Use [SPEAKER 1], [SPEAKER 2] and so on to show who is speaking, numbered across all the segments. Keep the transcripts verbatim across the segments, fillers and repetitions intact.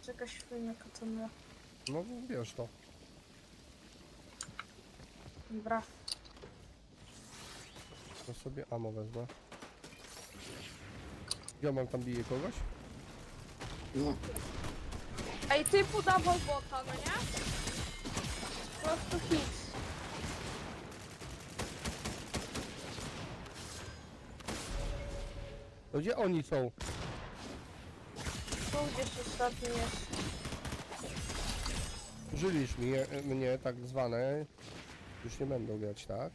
[SPEAKER 1] jest jakaś fajna katana.
[SPEAKER 2] No wiesz to.
[SPEAKER 1] Dobra.
[SPEAKER 2] To sobie ammo wezmę. Ja mam tam bije kogoś?
[SPEAKER 3] No.
[SPEAKER 1] Ej, ty podawał bota, no nie? Po prostu hit.
[SPEAKER 2] To gdzie oni są?
[SPEAKER 1] Tu gdzieś ostatni jest.
[SPEAKER 2] Żylisz mnie, mnie tak zwane. Już nie będą grać, tak?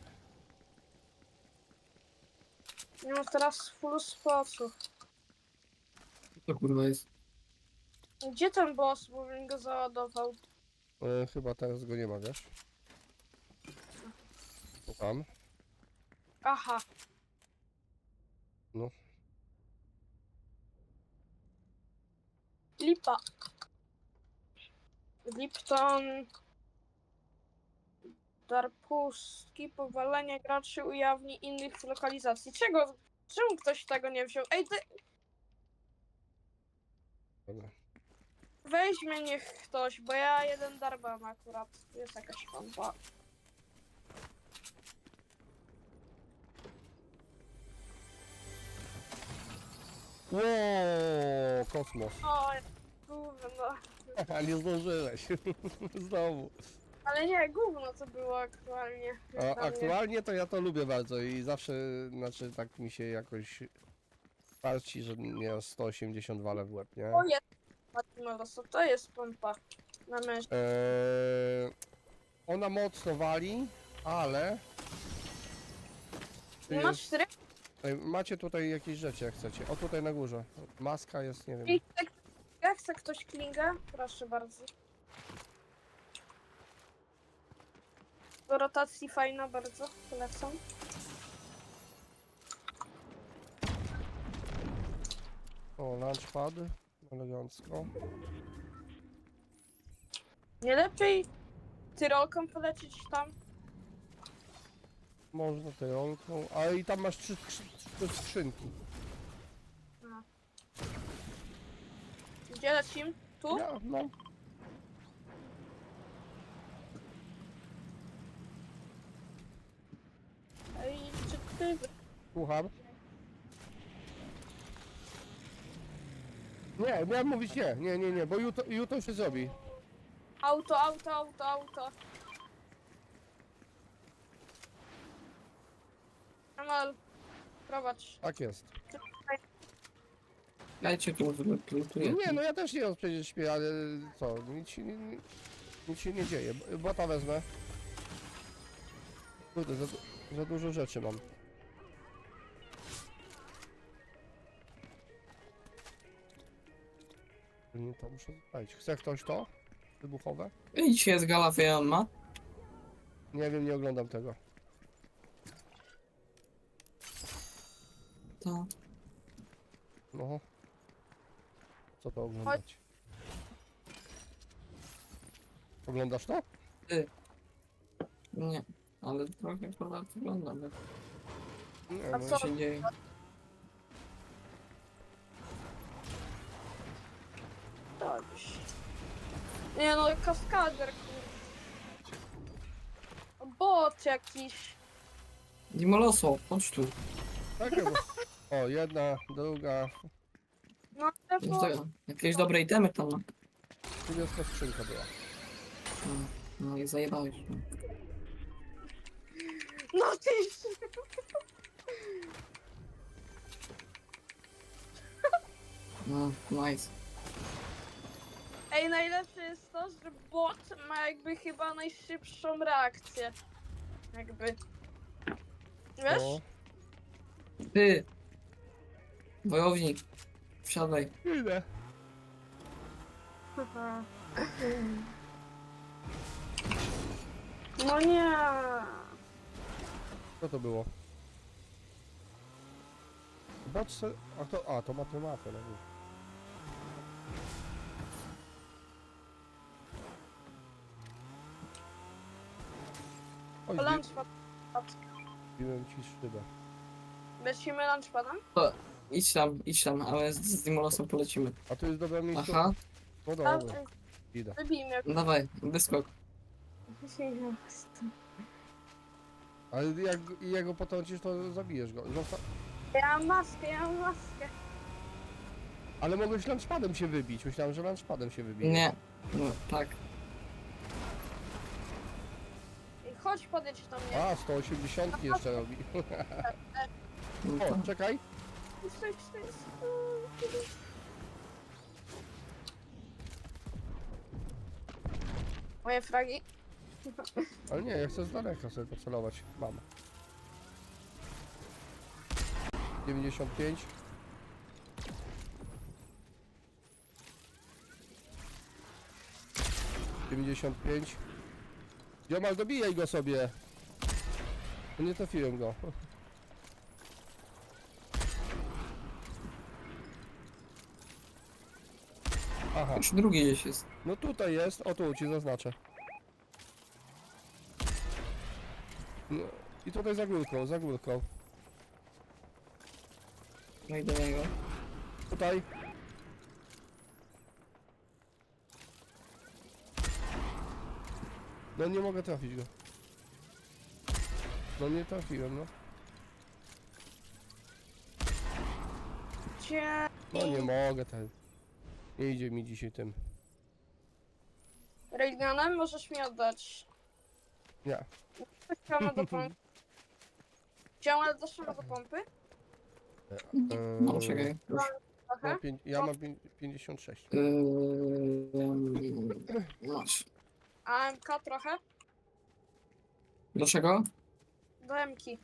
[SPEAKER 1] Nie mam teraz full spocu.
[SPEAKER 3] To kurwa jest.
[SPEAKER 1] Gdzie ten boss, bo bym go załadował?
[SPEAKER 2] E, chyba teraz go nie ma, wiesz? Tam.
[SPEAKER 1] Aha.
[SPEAKER 2] No.
[SPEAKER 1] Lipa. Lipton. Dar pustki, powalenie graczy ujawni innych lokalizacji. Czego? Czemu ktoś tego nie wziął? Ej, ty...
[SPEAKER 2] Dobra.
[SPEAKER 1] Weźmie niech ktoś, bo ja jeden dar mam akurat. Jest jakaś pompa.
[SPEAKER 2] Ło, kosmos.
[SPEAKER 1] O, gówno.
[SPEAKER 2] A nie zdążyłeś. Znowu.
[SPEAKER 1] Ale nie, gówno to było aktualnie.
[SPEAKER 2] A
[SPEAKER 1] dla mnie.
[SPEAKER 2] aktualnie to ja to lubię bardzo i zawsze, znaczy tak mi się jakoś parci, że mnie sto osiemdziesiąt wale w łeb, nie?
[SPEAKER 1] O, jest Matimodoso, to jest pompa. Na mężczyzn.
[SPEAKER 2] Eee, ona mocno wali, ale... Tu
[SPEAKER 1] Nie masz
[SPEAKER 2] jest,
[SPEAKER 1] cztery?
[SPEAKER 2] Ej, macie tutaj jakieś rzeczy jak chcecie. O tutaj na górze. Maska jest, nie wiem.
[SPEAKER 1] I chce, jak chce ktoś klingę? Proszę bardzo. Do rotacji fajna bardzo, polecam.
[SPEAKER 2] O, launchpad. Elegancko.
[SPEAKER 1] Nie lepiej tyrolką polecieć tam?
[SPEAKER 2] Można tyrolką. A i tam masz trzy, trzy, trzy skrzynki.
[SPEAKER 1] Gdzie lecim? Tu?
[SPEAKER 2] Ja, no.
[SPEAKER 1] Ej, czy ty...
[SPEAKER 2] Słucham. Nie, miałem mówić nie, nie, nie, nie, bo jutro, jutro się zrobi.
[SPEAKER 1] Auto, auto, auto, auto. Amal, prowadź.
[SPEAKER 2] Tak jest.
[SPEAKER 3] Dajcie tu, lutuję.
[SPEAKER 2] Nie, no ja też nie przecież śpię, ale co, nic się nie, nie- nic się nie dzieje. B- Bota wezmę. Kurde, za, du- za dużo rzeczy mam. Nie, to muszę spalić. Chce ktoś to? Wybuchowe?
[SPEAKER 3] I dzisiaj jest gala Fejan ma.
[SPEAKER 2] Nie wiem, nie oglądam tego.
[SPEAKER 3] To.
[SPEAKER 2] No. Co to oglądać? Oglądasz to?
[SPEAKER 3] Nie. Ale trochę kurwa wygląda. jak
[SPEAKER 2] Nie,
[SPEAKER 1] A
[SPEAKER 2] no,
[SPEAKER 1] co?
[SPEAKER 3] się dzieje.
[SPEAKER 1] Dobrze. Nie no, kaskader, kur... Bot jakiś.
[SPEAKER 3] Dimoloso, chodź tu.
[SPEAKER 2] takie, bo... O, jedna, druga.
[SPEAKER 1] No, ale
[SPEAKER 3] No
[SPEAKER 1] bo...
[SPEAKER 3] to, jakieś dobre itemy tam ma.
[SPEAKER 2] Niebieska skrzynka była.
[SPEAKER 3] No, no i zajebałeś. No.
[SPEAKER 1] No ty...
[SPEAKER 3] No, nice.
[SPEAKER 1] Ej, najlepsze jest to, że bot ma jakby chyba najszybszą reakcję. Jakby. Wiesz?
[SPEAKER 2] O,
[SPEAKER 3] Ty! Wojownik. Wsiadaj.
[SPEAKER 2] idę.
[SPEAKER 1] No nie.
[SPEAKER 2] Co to było? Bot, a to, a to ma tę mapę, no nie. Oj, zbi-
[SPEAKER 1] Lunchpad.
[SPEAKER 2] zbiłem ci szybę.
[SPEAKER 1] Lecimy lunchpadem?
[SPEAKER 3] Idź tam, idź tam, ale z, z Dimolosem polecimy.
[SPEAKER 2] A tu jest dobre miejsce.
[SPEAKER 3] Aha.
[SPEAKER 2] No
[SPEAKER 1] Tam,
[SPEAKER 2] dobra, idę.
[SPEAKER 1] wybij mnie.
[SPEAKER 3] No dawaj, wyskok.
[SPEAKER 2] Ale jak jego potrącisz, to zabijesz go. Zosta...
[SPEAKER 1] Ja mam maskę, ja mam maskę.
[SPEAKER 2] Ale mogłeś lunchpadem się wybić. Myślałem, że lunchpadem się wybije.
[SPEAKER 3] Nie. No, tak.
[SPEAKER 1] I chodź, podejdź do mnie.
[SPEAKER 2] A, sto osiemdziesiąt jeszcze robi.
[SPEAKER 3] No
[SPEAKER 2] O,
[SPEAKER 3] to...
[SPEAKER 2] czekaj.
[SPEAKER 1] Stój, stój, stój. Moje fragi.
[SPEAKER 2] Ale nie, ja chcę z daleka sobie pocelować. Mam. dziewięćdziesiąt pięć. dziewięćdziesiąt pięć. Dziomal, dobijaj go sobie. No nie trafiłem go. Aha,
[SPEAKER 3] Już drugi gdzieś jest.
[SPEAKER 2] no tutaj jest. O tu ci zaznaczę. No, i tutaj za górką, za górką.
[SPEAKER 3] No i do niego.
[SPEAKER 2] Tutaj. No nie mogę trafić go. No nie trafiłem, no.
[SPEAKER 1] Gdzie?
[SPEAKER 2] No nie mogę ten. Nie idzie mi dzisiaj tym.
[SPEAKER 1] Railgunem możesz mi oddać.
[SPEAKER 2] Nie.
[SPEAKER 1] Chciałam do pompy. Chciałam do szamy do pompy.
[SPEAKER 3] No
[SPEAKER 2] Eee,
[SPEAKER 3] czekaj. Już.
[SPEAKER 1] Trochę.
[SPEAKER 2] no, pięć, ja mam pię- pięćdziesiąt sześć.
[SPEAKER 3] Yy, masz.
[SPEAKER 1] A M K trochę.
[SPEAKER 3] Do czego?
[SPEAKER 1] Do M-ki.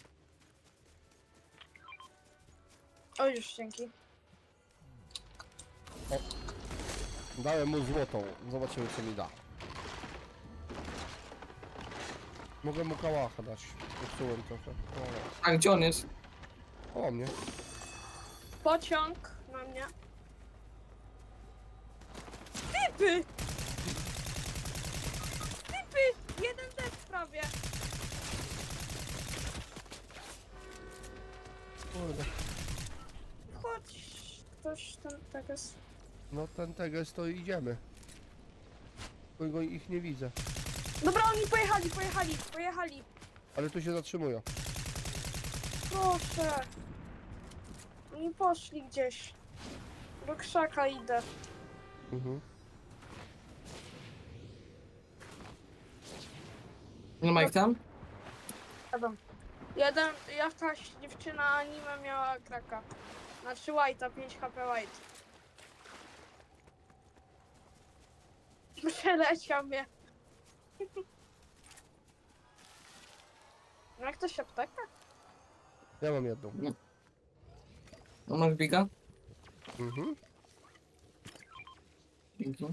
[SPEAKER 1] O, już dzięki.
[SPEAKER 2] Dałem mu złotą. Zobaczymy co mi da. Mogę mu kałacha dać. Popsułem trochę.
[SPEAKER 3] A gdzie on jest?
[SPEAKER 2] O, o mnie.
[SPEAKER 1] Pociąg na mnie. Typy! Typy! Jeden dead prawie.
[SPEAKER 2] Kurde.
[SPEAKER 1] Chodź. Ktoś tam tak jest.
[SPEAKER 2] No ten teges to idziemy. Tylko go ich nie widzę.
[SPEAKER 1] Dobra, oni pojechali, pojechali, pojechali.
[SPEAKER 2] Ale tu się zatrzymują.
[SPEAKER 1] Proszę. Oni poszli gdzieś. Do krzaka idę.
[SPEAKER 2] Mhm.
[SPEAKER 3] Nie ma ich tam?
[SPEAKER 1] Adam. Jeden, jakaś dziewczyna anime miała kraka. Znaczy White'a, pięć H P White. Przeleciał mnie. No jak to się apteka?
[SPEAKER 2] Ja mam jedną.
[SPEAKER 3] On ma biga?
[SPEAKER 2] Mhm.
[SPEAKER 3] Dzięki.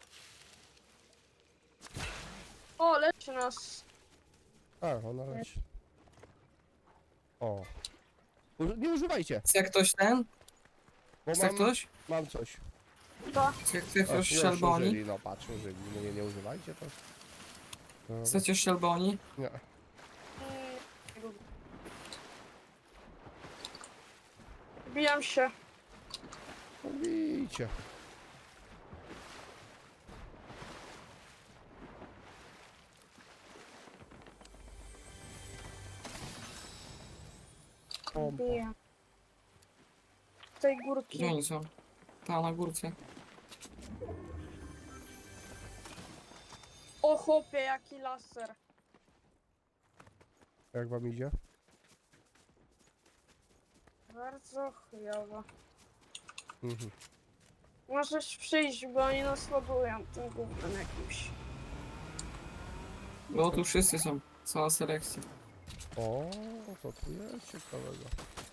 [SPEAKER 1] O, leczy nas.
[SPEAKER 2] A, ona leci. O. Uży- Nie używajcie,
[SPEAKER 3] Chce ktoś ten?
[SPEAKER 2] bo
[SPEAKER 3] Chce
[SPEAKER 2] mam,
[SPEAKER 3] ktoś?
[SPEAKER 2] mam coś.
[SPEAKER 1] To.
[SPEAKER 3] Chce chce
[SPEAKER 2] O,
[SPEAKER 3] ktoś
[SPEAKER 2] już
[SPEAKER 3] szelboni?
[SPEAKER 2] użyli, no patrz, użyli. No nie, nie używajcie to. No,
[SPEAKER 3] Chcecie szelboni?
[SPEAKER 2] nie.
[SPEAKER 1] Mm, Bijam się.
[SPEAKER 2] Bijcie. Pompa.
[SPEAKER 1] Biję. Z tej górki.
[SPEAKER 3] Gdzie oni są? Tam na górce.
[SPEAKER 1] O chłopie, jaki laser.
[SPEAKER 2] Jak wam idzie?
[SPEAKER 1] Bardzo chujowo.
[SPEAKER 2] Mhm.
[SPEAKER 1] Możesz przyjść, bo oni nas ładują tym gównem jakimś.
[SPEAKER 3] Bo tu wszyscy są. Cała selekcja.
[SPEAKER 2] O, to tu jest ciekawego.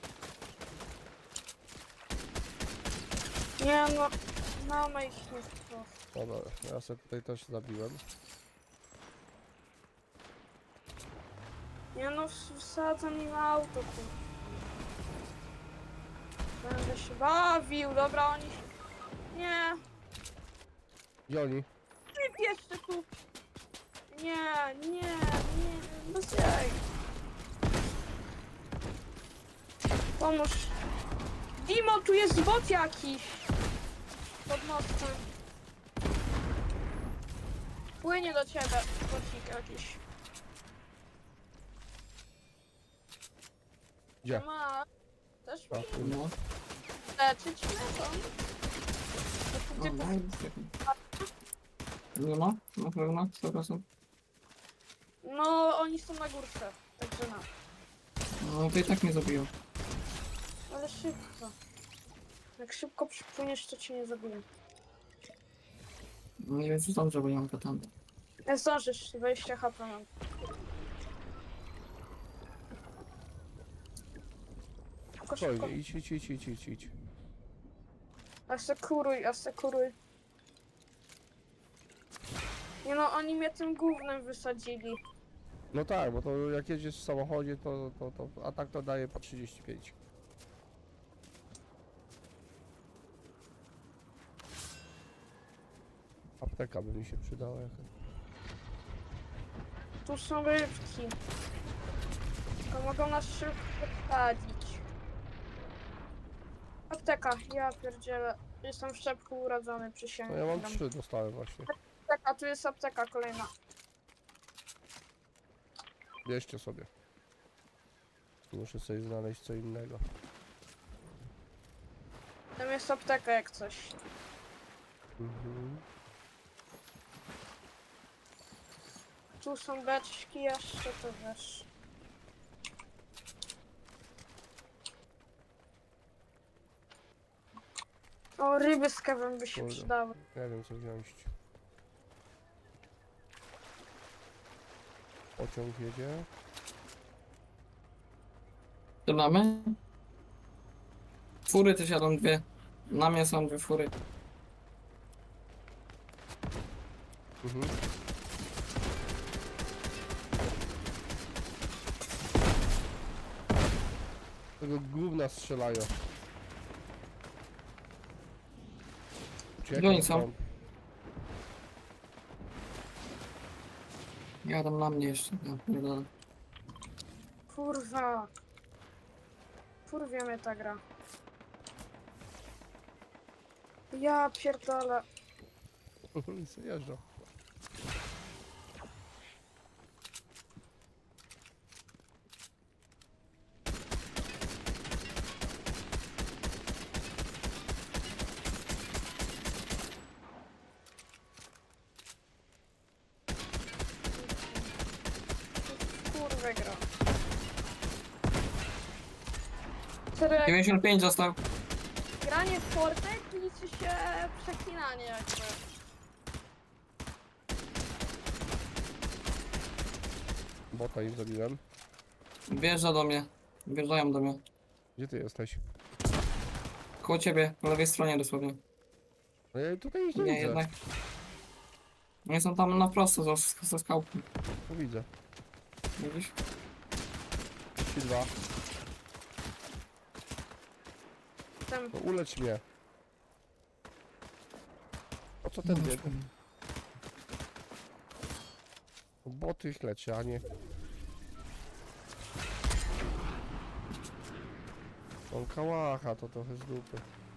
[SPEAKER 1] Nie no, mamy ich nie wprost.
[SPEAKER 2] Dobra, ja sobie tutaj też zabiłem.
[SPEAKER 1] Nie no, ws- wsadzam im auto, kur... Będę się bawił, dobra, oni... Nie,
[SPEAKER 2] Gdzie oni?
[SPEAKER 1] typ jeszcze tu! Nie, nie, nie, bez jaj. Pomóż. Dimo, tu jest bot jakiś! Pod mostem. Płynie do ciebie, bocik jakiś.
[SPEAKER 2] Gdzie?
[SPEAKER 1] Ma. Też
[SPEAKER 2] A,
[SPEAKER 1] mi
[SPEAKER 2] tu.
[SPEAKER 3] No,
[SPEAKER 1] leczyć lecą.
[SPEAKER 3] no,
[SPEAKER 1] Gdzie
[SPEAKER 3] no,
[SPEAKER 1] to?
[SPEAKER 3] jest taki. Nie ma? Na pewno? sto procent?
[SPEAKER 1] No, oni są na górce, także na.
[SPEAKER 3] No to i tak mnie zabiją.
[SPEAKER 1] Ale szybko. Jak szybko przypłyniesz, to cię nie zabiję.
[SPEAKER 3] No nie wiem, czy dobrze, bo nie mam katany.
[SPEAKER 1] Nie zdążysz, dwadzieścia H P mam. Szybko, szybko.
[SPEAKER 2] Spokojnie, idź, idź, idź, idź, idź, idź.
[SPEAKER 1] Asekuruj, asekuruj. Nie no, oni mnie tym gównem wysadzili.
[SPEAKER 2] No tak, bo to jak jedziesz w samochodzie, to, to, to a tak to daje po trzydzieści pięć. Apteka by mi się przydała jakaś.
[SPEAKER 1] Tu są rybki. To mogą nas szybko wsadzić. Apteka, ja pierdzielę. Jestem w szczepku urodzony,
[SPEAKER 2] No
[SPEAKER 1] przysięgam.
[SPEAKER 2] ja mam trzy, dostałem właśnie.
[SPEAKER 1] Apteka, tu jest apteka kolejna.
[SPEAKER 2] Bierzcie sobie. Muszę sobie znaleźć co innego.
[SPEAKER 1] Tam jest apteka jak coś.
[SPEAKER 2] Mhm.
[SPEAKER 1] Tu są beczki jeszcze, to wiesz. O, ryby z kawem by się
[SPEAKER 2] Kurde.
[SPEAKER 1] przydały.
[SPEAKER 2] Nie wiem co wziąć. Pociąg jedzie.
[SPEAKER 3] To mamy? Fury też jadą dwie. Na mnie są dwie fury.
[SPEAKER 2] Mhm. Tego gówna strzelają. Uciekam
[SPEAKER 3] Gdzie oni są?
[SPEAKER 2] stąd.
[SPEAKER 3] Jadą na mnie jeszcze. Ja pierdolę.
[SPEAKER 1] Kurwa. Kurwie mnie ta gra. Ja pierdolę.
[SPEAKER 2] Co jeżdżą?
[SPEAKER 1] Kurwę gra. Serio, jak
[SPEAKER 3] dziewięćdziesiąt pięć został.
[SPEAKER 1] granie w Fortek liczy się przeklinanie jakby.
[SPEAKER 2] Bota im zabiłem.
[SPEAKER 3] Wjeżdża do mnie. Wjeżdżają do mnie.
[SPEAKER 2] Gdzie ty jesteś?
[SPEAKER 3] Koło ciebie, po lewej stronie dosłownie.
[SPEAKER 2] No ja tutaj ich nie,
[SPEAKER 3] Nie,
[SPEAKER 2] widzę.
[SPEAKER 3] jednak. Nie są tam na prosto za, za skałką.
[SPEAKER 2] To widzę.
[SPEAKER 3] Widzisz?
[SPEAKER 2] Ci dwa.
[SPEAKER 1] Tam
[SPEAKER 2] No ulecz mnie. Po co ten
[SPEAKER 3] No,
[SPEAKER 2] bieg? Boty ich leczy, a nie... On kałacha, to trochę z dupy.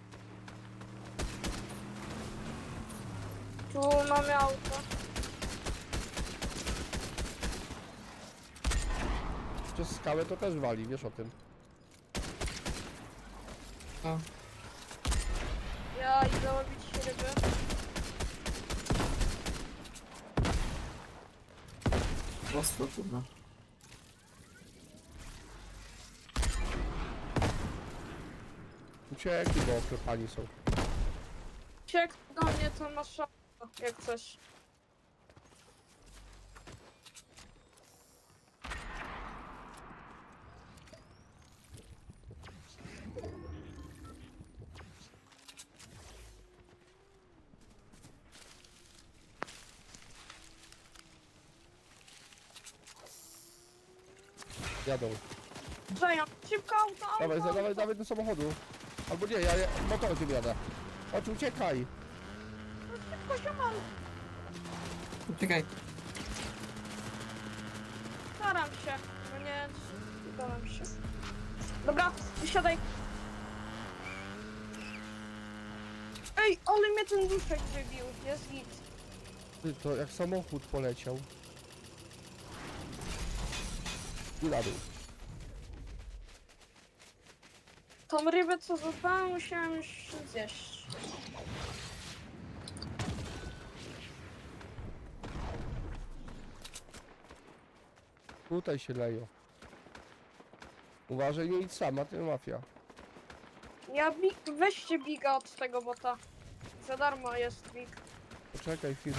[SPEAKER 1] tu mamy auto.
[SPEAKER 2] Przez skałę to też wali, wiesz o tym.
[SPEAKER 3] A,
[SPEAKER 1] Ja idę łowić ryby.
[SPEAKER 3] prosto, kurwa.
[SPEAKER 2] Uciekli, bo oklepani są.
[SPEAKER 1] Ciek do mnie to masz auto, jak coś.
[SPEAKER 2] Jadą.
[SPEAKER 1] Przeją, szybko auto, auto,
[SPEAKER 2] Dawaj, za-
[SPEAKER 1] auto.
[SPEAKER 2] dawaj, dawaj do samochodu. Albo nie, ja, ja motorkiem jadę. Chodź, uciekaj.
[SPEAKER 1] Szybko się mam.
[SPEAKER 3] Czekaj.
[SPEAKER 1] Staram się. No nie, staram się. Dobra, wysiadaj. Ej, ale mnie ten duszek wybił. Jest git.
[SPEAKER 2] Ty, to jak samochód poleciał. I na dół.
[SPEAKER 1] Tą rybę co złapałem musiałem już zjeść.
[SPEAKER 2] Tutaj się leją. Uważaj, nie idź sama, ty mafia.
[SPEAKER 1] Ja bi- weźcie biga od tego bota. Za darmo jest big.
[SPEAKER 2] Poczekaj chwilę.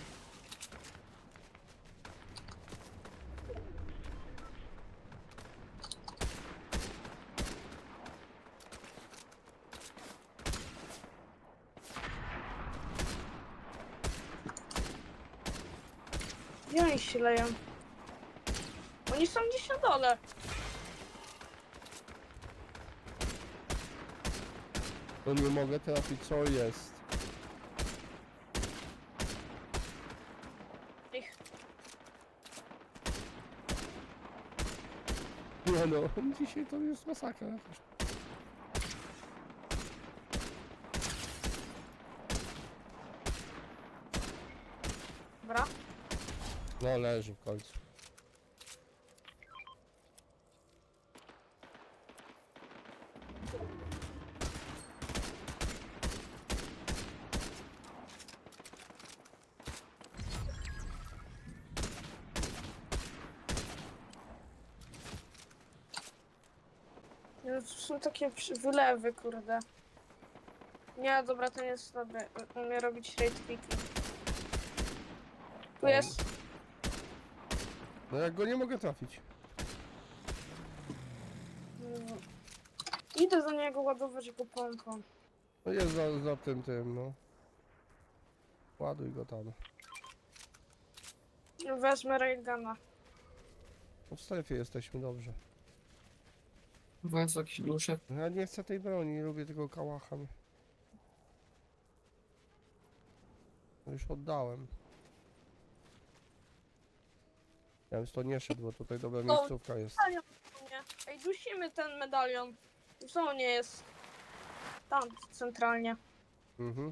[SPEAKER 1] Gdzie oni się leją? Oni są gdzieś na dole.
[SPEAKER 2] No nie mogę trafić, co jest.
[SPEAKER 1] Ich.
[SPEAKER 2] Nie no, dzisiaj to jest masakra jakaś.
[SPEAKER 1] Dobra.
[SPEAKER 2] No leży w końcu.
[SPEAKER 1] No, to są takie przy- wylewy, kurde. Nie, dobra, to nie jest dobre. Umie robić rate picking. Tu jest.
[SPEAKER 2] No jak go nie mogę trafić.
[SPEAKER 1] Mm, Idę do niego ładować go pompą.
[SPEAKER 2] No jest za, za tym, tym, no. Ładuj go tam.
[SPEAKER 1] Wezmę railguna.
[SPEAKER 2] No w strefie jesteśmy, dobrze.
[SPEAKER 3] Władz jakiś duszek.
[SPEAKER 2] Ja nie chcę tej broni, nie lubię tego kałacha. No już oddałem. Ja bym to nie szedł, bo tutaj dobra
[SPEAKER 1] No.
[SPEAKER 2] miejscówka jest.
[SPEAKER 1] Medalion w zonie. Ej, dusimy ten medalion. W zonie jest. Tam, centralnie.
[SPEAKER 2] Mhm.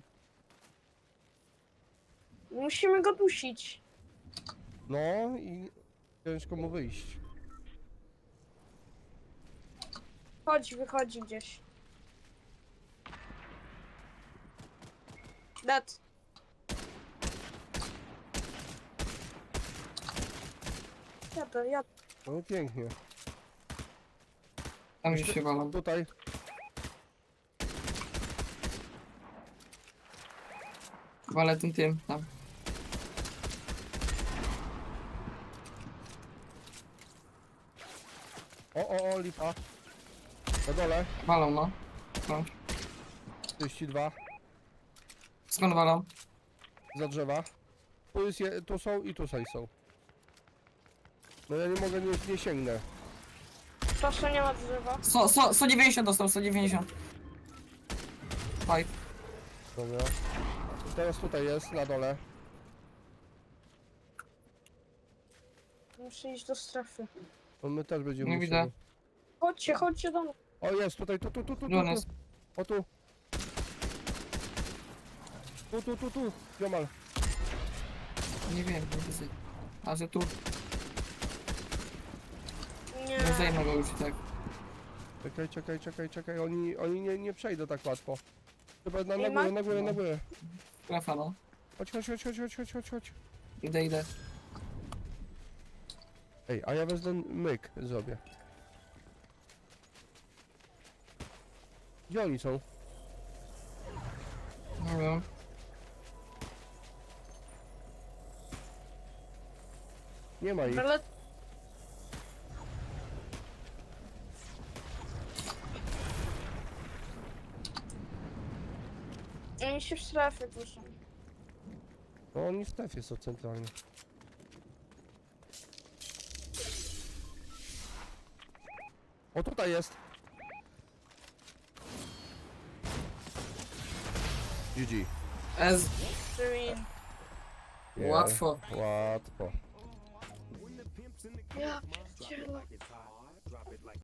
[SPEAKER 1] Musimy go dusić.
[SPEAKER 2] No i ciężko mu wyjść.
[SPEAKER 1] Chodź, wychodzi gdzieś. Dead. Jadę, jadę.
[SPEAKER 2] No i pięknie.
[SPEAKER 3] Tam gdzieś się walą.
[SPEAKER 2] Tutaj.
[SPEAKER 3] Walę tym tym, tam.
[SPEAKER 2] O, o, o, lipa. Na dole.
[SPEAKER 3] Walą, no. no.
[SPEAKER 2] trzydzieści dwa.
[SPEAKER 3] Skąd walą?
[SPEAKER 2] Za drzewa. Tu, jest je, tu są i tutaj są. No ja nie mogę, nie, nie sięgnę.
[SPEAKER 1] Proszę, nie ma drzewa.
[SPEAKER 3] sto, sto, sto dziewięćdziesiąt dostał, sto dziewięćdziesiąt. Fight.
[SPEAKER 2] Dobra. Teraz tutaj jest, na dole.
[SPEAKER 1] Muszę iść do strefy.
[SPEAKER 2] No my też będziemy
[SPEAKER 3] Nie
[SPEAKER 2] musieli.
[SPEAKER 3] widzę.
[SPEAKER 1] Chodźcie, chodźcie do mnie.
[SPEAKER 2] O jest, tutaj, tu, tu, tu, tu, tu,
[SPEAKER 3] Gdzie on
[SPEAKER 2] tu.
[SPEAKER 3] jest?
[SPEAKER 2] O tu. Tu, tu, tu, tu. Ziomal.
[SPEAKER 3] Nie wiem, nie widzę. A że tu,
[SPEAKER 1] Nie.
[SPEAKER 3] nie zajmę go już i tak.
[SPEAKER 2] Czekaj, czekaj, czekaj, czekaj. Oni, oni nie, nie przejdą tak łatwo. Chyba na, na
[SPEAKER 1] Ej,
[SPEAKER 2] górę,
[SPEAKER 1] ma-
[SPEAKER 2] na górę, na górę.
[SPEAKER 3] Strefa, no.
[SPEAKER 2] Chodź, chodź, chodź, chodź, chodź, chodź, chodź, chodź.
[SPEAKER 3] Idę, idę.
[SPEAKER 2] Ej, a ja wezmę myk zrobię. Gdzie oni są?
[SPEAKER 3] Nie wiem.
[SPEAKER 2] Nie ma ich.
[SPEAKER 1] Ale oni się w strefie duszą.
[SPEAKER 2] No oni w strefie są centralnie. O tutaj jest. G G.
[SPEAKER 3] Ez,
[SPEAKER 1] Win.
[SPEAKER 2] Nie,
[SPEAKER 3] łatwo.
[SPEAKER 2] Łatwo.
[SPEAKER 1] Ja pierdzielę.